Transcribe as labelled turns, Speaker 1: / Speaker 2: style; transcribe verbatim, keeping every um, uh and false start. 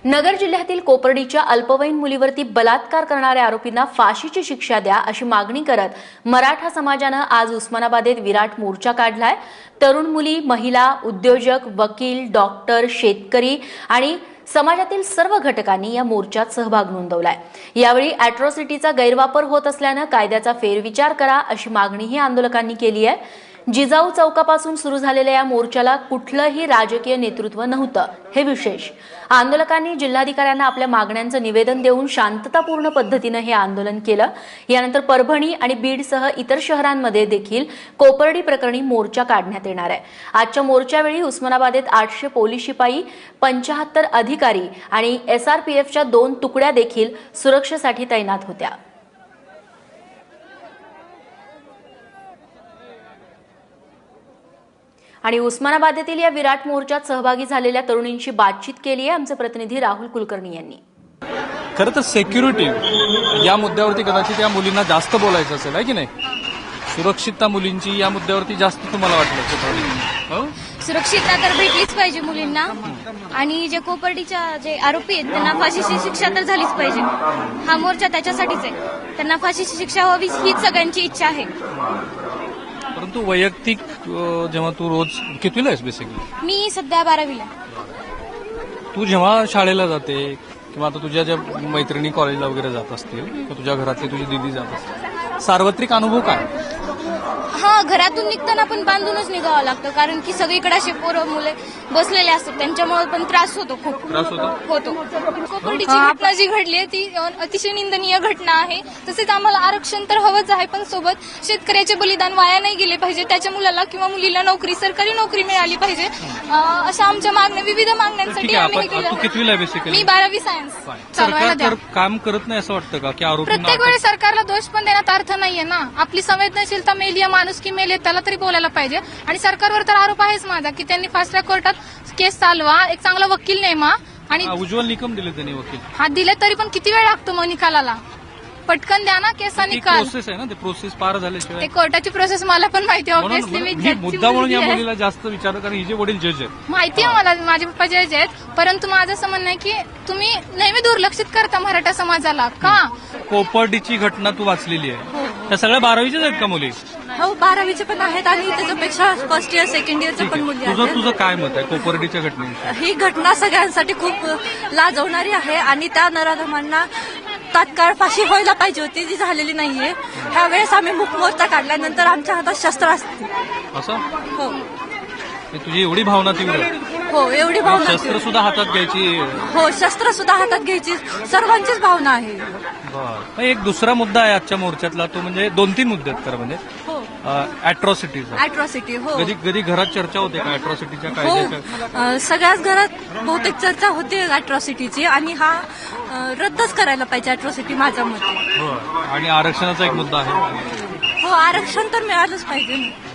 Speaker 1: नगर जिल्ह्यातील कोपर्डीच्या अल्पवयीन मुलीवरती बलात्कार करणाऱ्या आरोपींना फाशीची शिक्षा द्या अशी मागणी करत मराठा समाजानं आज उस्मानाबादेत विराट मोर्चा काढलाय। तरुण मुली, महिला, उद्योजक, वकील, डॉक्टर, शेतकरी आणि समाजातील सर्व घटकांनी या मोर्चात सहभाग नोंदवलाय। यावेळी अॅट्रॉसिटीचा गैरवापर होत असल्यानं कायद्याचा फेरविचार करा अशी मागणीही आंदोलकांनी केली आहे। जिजाऊ चौकापासून सुरू झालेल्या या मोर्चाला कुठलंही राजकीय नेतृत्व नव्हतं, हे विशेष। आंदोलकांनी जिल्हाधिकाऱ्यांना आपल्या मागण्यांचं निवेदन देऊन शांततापूर्ण पद्धतीनं हे आंदोलन केलं। यानंतर परभणी आणि बीडसह इतर शहरांमध्ये देखील कोपर्डी प्रकरणी मोर्चा काढण्यात येणार आहे। आजच्या मोर्चावेळी उस्मानाबादेत आठशे पोलीस शिपाई, पंच्याहत्तर अधिकारी आणि एसआरपीएफच्या दोन तुकड्या देखील सुरक्षेसाठी तैनात होत्या। आणि उस्मानाबादेतील या विराट मोर्चात सहभागी झालेल्या तरुणींशी बातचीत केली आहे आमचे प्रतिनिधी राहुल कुलकर्णी यांनी।
Speaker 2: खरं तर सिक्युरिटी या मुद्द्यावरती कदाचित या मुलींना जास्त बोलायचं असेल, आहे की नाही? सुरक्षितता मुलींची या मुद्द्यावरती जास्त तुम्हाला वाटलं? हो,
Speaker 3: सुरक्षितता तर भेटलीच पाहिजे मुलींना आणि जे कोपर्डीच्या जे आरोपी आहेत त्यांना फाशीची शिक्षा तर झालीच पाहिजे। हा मोर्चा त्याच्यासाठीच आहे, त्यांना फाशीची शिक्षा व्हावी हीच सगळ्यांची इच्छा आहे।
Speaker 2: परंतु वैयक्तिक जेव्हा तू रोज कितवीला आहेस बेसिकली?
Speaker 3: मी सध्या बारावीला।
Speaker 2: तू जेव्हा शाळेला जाते किंवा आता तुझ्या ज्या मैत्रिणी कॉलेजला वगैरे जात असतील किंवा तुझ्या घरातली तुझी दीदी जात असतील, सार्वत्रिक अनुभव काय?
Speaker 3: हा, घरातून निघताना पण बांधूनच निघावं लागतं, कारण की सगळीकडे असे पोरं मुले बसलेले असतात, त्यांच्यामुळे पण त्रास होतो, खूप
Speaker 2: त्रास होतो
Speaker 3: होतो कोपर्डीची घटना जी घडली आहे ती अतिशय निंदनीय घटना आहे। तसेच आम्हाला आरक्षण तर हवंच आहे, पण सोबत शेतकऱ्याचे बलिदान वाया नाही गेले पाहिजे, त्याच्या मुलाला किंवा मुलीला नोकरी, सरकारी नोकरी मिळाली पाहिजे, अशा आमच्या मागण्या, विविध मागण्यांसाठी आम्ही हे केलं।
Speaker 2: तू कितवीला आहे बेसिकली?
Speaker 3: मी बारावी सायन्स।
Speaker 2: सरकार काम करत नाही असं वाटतं का की आरोपींना?
Speaker 3: प्रत्येक वेळी सरकारला दोष पण देण्यात अर्थ नाहीये ना। आपली संवेदनशीलता मेली आहे, माणुसकी मेली, त्याला तरी बोलायला पाहिजे। आणि सरकारवर तर आरोप आहेच माझा की त्यांनी फास्ट ट्रॅक कोर्टात केस चालवा, एक चांगला वकील नेमा आणि
Speaker 2: उज्ज्वल निकम दिले त्यांनी वकील।
Speaker 3: हा, दिले तरी पण किती वेळ लागतो मग निकालाला? पटकन द्या ना केसचा निकाल।
Speaker 2: प्रोसेस आहे ना, ते प्रोसेस पार झाल्याशिवाय
Speaker 3: ते कोर्टाची प्रोसेस मला पण माहिती आहे, ऑब्व्हियसली मी
Speaker 2: ही मुद्दा म्हणून या मुलीला जास्त विचार, कारण हिचे वडील जज आहेत।
Speaker 3: माहिती आहे मला, माझे पप्पा जज आहेत, परंतु माझं असं म्हणणं आहे की तुम्ही नेहमी दुर्लक्षित करता मराठा समाजाला का?
Speaker 2: कोपर्डीची घटना तू वाचलेली आहे, त्या सगळ्या बारावीच्याच आहेत का मुली?
Speaker 3: हो, बारावीचे पण आहेत आणि त्याच्यापेक्षा फर्स्ट इयर सेकंड इयरचे पण मुली आहेत।
Speaker 2: तुझं तुझं काय मत आहे कोपर्डीच्या घटनेविषयी?
Speaker 4: ही घटना सगळ्यांसाठी खूप लाजवणारी आहे आणि त्या नराधमांना तात्काळ फाशी व्हायला पाहिजे होती, जी झालेली नाहीये। ह्यावेळेस आम्ही मूक मोर्चा काढल्यानंतर आमच्या हातात शस्त्र असतील।
Speaker 2: असं?
Speaker 4: हो,
Speaker 2: तुझी एवढी भावना तीव्र?
Speaker 4: हो, एवढी भावना।
Speaker 2: शस्त्र सुद्धा हातात घ्यायची?
Speaker 4: हो, शस्त्र सुद्धा हातात घ्यायची सर्वांचीच भावना आहे।
Speaker 2: बरं, एक दुसरा मुद्दा आहे आजच्या मोर्चातला, तो म्हणजे दोन तीन मुद्दे आहेत खरं म्हणजे अॅट्रॉसिटीचा।
Speaker 4: अॅट्रॉसिटी, हो।
Speaker 2: कधी कधी घरात चर्चा होते का अॅट्रॉसिटीच्या
Speaker 4: हो,
Speaker 2: कायद्याच्या?
Speaker 4: अ, सगळ्याच घरात बहुतेक चर्चा होते अॅट्रॉसिटीची आणि हा अ, रद्दच करायला पाहिजे अॅट्रॉसिटी, माझ्या मते।
Speaker 2: आणि आरक्षणाचा एक मुद्दा आहे।
Speaker 4: हो, आरक्षण तर मिळालंच पाहिजे।